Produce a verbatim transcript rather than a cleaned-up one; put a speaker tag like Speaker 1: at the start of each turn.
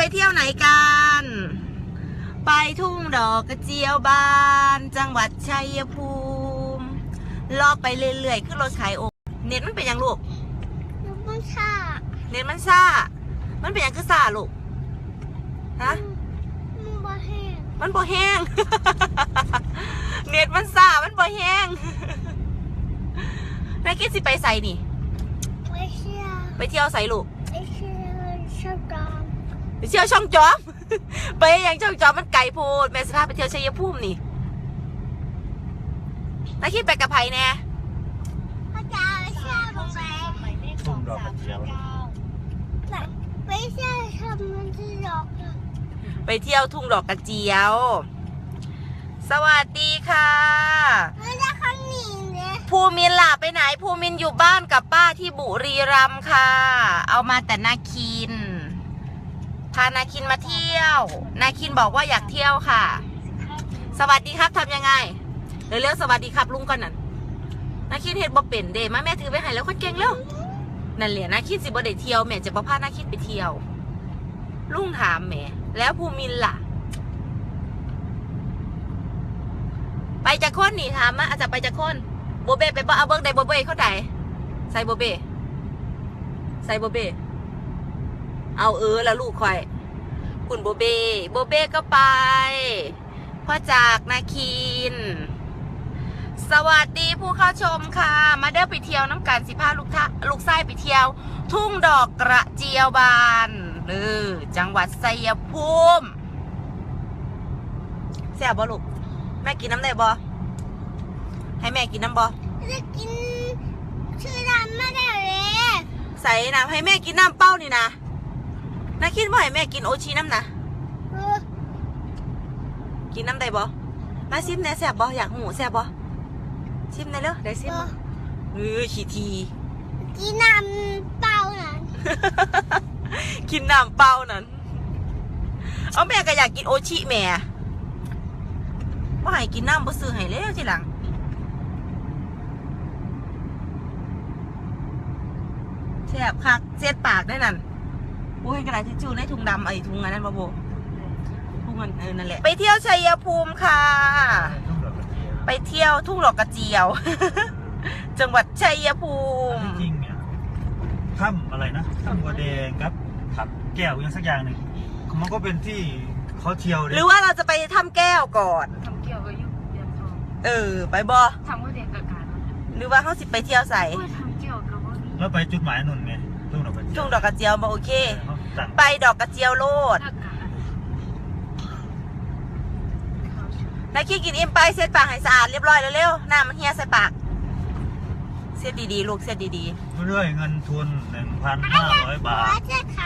Speaker 1: เที่ยวไหนกันไปทุ่งดอกกระเจียวบานจังหวัดชัยภูมิลอกไปเรื่อยๆขึ้นรถขายโอเน็ตมันเป็นยังลูก
Speaker 2: มันซ่า
Speaker 1: เน็ตมันซ่ามันเป็นยังคือซ่าลูกฮะ
Speaker 2: มันบ่แห้ง
Speaker 1: มันบ่แห้ง เน็ตมันซ่ามันบ่แห้งนายคิดสิไปใส่นี่
Speaker 2: ไปเที่ยว
Speaker 1: ไปเที่ยวใส่ลูก
Speaker 2: ไปเที่ยวช่องจอม
Speaker 1: ไปเที่ยวช่องจอม ไปยังช่องจอมมันไกลโพดแม่สภาพไปเที่ยวชัยภูมินี่นายคิดไปกับไผ่แน่
Speaker 2: พ่อจ๋าไปเที่ยวโรงแรม
Speaker 3: ทุ่งดอกกระเจียว
Speaker 2: ไปเที่ยวทำมันที่ดอก
Speaker 1: ไปเที่ยวทุ่งดอกกระเจียวสวัสดีค่ะ
Speaker 2: ไม่ได้ข้างนี้เนี่ย
Speaker 1: ภูมินล่ะไปไหนภูมินอยู่บ้านกับป้าที่บุรีรัมย์ค่ะเอามาแต่นาคินพานาคินมาเที่ยวนาคินบอกว่าอยากเที่ยวค่ะสวัสดีครับทำยังไงเร็วๆสวัสดีครับลุงก่อนนั่นนาคินเห็นบ่เป็นเดมาแม่ถือไปให้แล้วคนเก่งแล้วนั่นแหละนาคินสิบ่ได้เที่ยวแม่จะบ่พานาคินไปเที่ยวลุงถามแม่แล้วภูมินล่ะไปจากคนนี่ถามมาอาจจะไปจากคนโบเบ้ไปบ่เอาเบิ้งได้โบเบ้เขาใดใส่โบเบ้ใส่โบเบ้เอาเออแล้วลูกคอยคุณโบเบ้โบเบ้ก็ไปพ่อจากนาคินสวัสดีผู้เข้าชมค่ะมาเด้อไปเที่ยวน้ำกันสิพาลูกท่าลูกไส้ไปเที่ยวทุ่งดอกกระเจียวบานเออจังหวัดชัยภูมิแซ่บบ่ลูกแม่กินน้ำได้บ่ให้แม่กินน้ำบ่
Speaker 2: จะกินชื่อร้านไม่ได้เลย
Speaker 1: ใส่น้ำให้แม่กินน้ำเป้านี่นะนาคิดว่าให้แม่กินโอชีน้ำนะกินน้ำได้บ่มาซิมแน่แซ่บบ่อยากหูแซ่บบ่ซิมแน่เลยได้ซิมเออขี้ที
Speaker 2: กินน้ำเปล่านั่น
Speaker 1: กินน้ำเปล่านั่นเอาแม่ก็อยากกินโอชิแม่ว่าให้กินน้ำบ่ซื้อให้แล้วทีหลังแซ่บคักเสียดปากได้นั่นโอ้ยกระดาษทิชชู่ในถุงดำไอ้ถุงอันนั้นบ่โบถุงอันเออนั่นแหละไปเที่ยวชัยภูมิค่ะไปเที่ยวทุ่งดอกกระเจียว จังหวัดชัยภูมิ
Speaker 3: จริงเนี่ยถ้ำอะไรนะถ้ำบัวแดงครับถับแก้วยังสักอย่างหนึ่งมันก็เป็นที่เขาเที่ยว
Speaker 1: หรือว่าเราจะไปถ้ำแก้วก่อน
Speaker 4: ทำเกี่ยวกับยุคเรียนทอง
Speaker 1: เออไปบ่
Speaker 4: ทำว่าเรียนกับการ
Speaker 1: หรือว่าเขาสิไปเที่ยวใส่
Speaker 4: ทำเกี่ยวกับว่า
Speaker 3: แล้วไปจุดหมายนุ่นไงทุ่งดอกกระเจียว
Speaker 1: ทุ่งดอกกระเจียวมาโอเคไปดอกกระเจียวโลดนายขี้กินอิ่มไปเช็ดปากให้สะอาดเรียบร้อยเร็วๆน้ำมันเฮียใส่ปากเช็ดดีๆลูกเช็ดดี
Speaker 3: ๆเรื่อยเงินทุนหนึ่งพันห้าร้อยบาท
Speaker 2: จะขา